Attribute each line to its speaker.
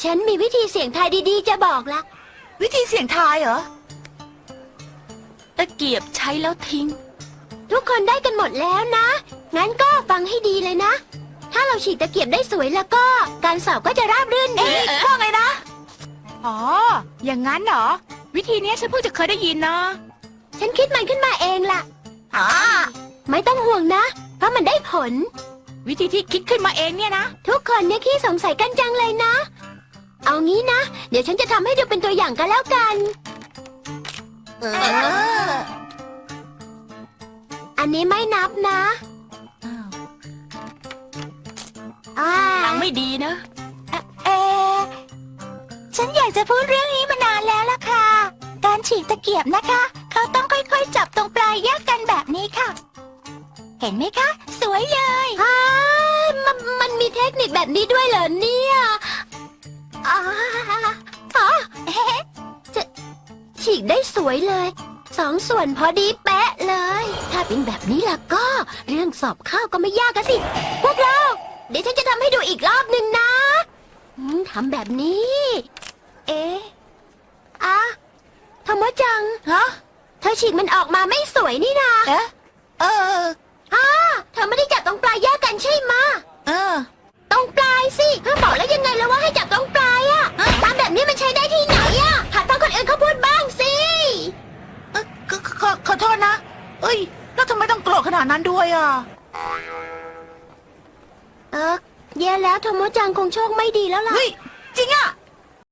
Speaker 1: ฉันมีวิธีเสี่ยงทายดีๆจะบอกละ
Speaker 2: วิธีเสี่ยงทายเหรอ
Speaker 3: ตะเกียบใช้แล้วทิ้ง
Speaker 1: ทุกคนได้กันหมดแล้วนะ งั้นก็ฟังให้ดีเลยนะ ถ้าเราฉีกตะเกียบได้สวยแล้วก็ การสอบก็จะราบรื่นดี
Speaker 2: ว่าไงนะ
Speaker 3: อ๋อ อย่างนั้นเหรอ วิธีนี้ฉันเพิ่งจะเคยได้ยินนะ
Speaker 1: ฉันคิดมันขึ้นมาเองล่ะ
Speaker 2: อ๋อ
Speaker 1: ไม่ต้องห่วงนะ เพราะมันได้ผล
Speaker 3: วิธีที่คิดขึ้นมาเองเนี่ยนะ
Speaker 1: ทุกคนเนี่ยขี้สงสัยกันจังเลยนะ เอางี้นะ เดี๋ยวฉันจะทำให้ดูเป็นตัวอย่างกันแล้วกัน
Speaker 2: เออ
Speaker 1: อันนี้ไม่นับนะอ่า
Speaker 3: ทางไม่ดีนะ
Speaker 1: เออฉันอยากจะพูดเรื่องนี้มานานแล้วล่ะค่ะ การฉีกตะเกียบนะคะ เขาต้องค่อยๆจับตรงปลายแยกกันแบบนี้ค่ะ เห็นไหมคะ สวยเลยมันมีเทคนิคแบบนี้ด้วยเหรอเนี่ยอ๋อจะฉีกได้สวยเลย2 ส่วนพอดีแปะเลย ถ้าเป็นแบบนี้ล่ะก็ เรื่องสอบเข้าก็ไม่ยากอะสิ พวกเรา เดี๋ยวฉันจะทำให้ดูอีกรอบหนึ่งนะทำแบบนี้ เอ๊ะอะโทโมจัง
Speaker 2: ฮะ
Speaker 1: เธอฉีกมันออกมาไม่สวยนี่นา
Speaker 2: เอ๊ะเออ
Speaker 1: เธอไม่ได้จับตรงปลายแยกกันใช่ไหมะ
Speaker 2: เออ
Speaker 1: ตรงปลายสิเธอบอกแล้วยังไงแล้วว่าให้จับตรงปลายอะทำแบบนี้มันใช้ได้ที่ไหนอะหัดฟังคนอื่นเขาพูดบ้างสิ
Speaker 2: ขอโทษนะ เอ้ย แล้วทำไมต้องโกรธขนาดนั้นด้วยอ่ะ
Speaker 1: แย่แล้วโทโมจังคงโชคไม่ดีแล้วล่ะ
Speaker 2: เฮ้ย จริงอ่ะ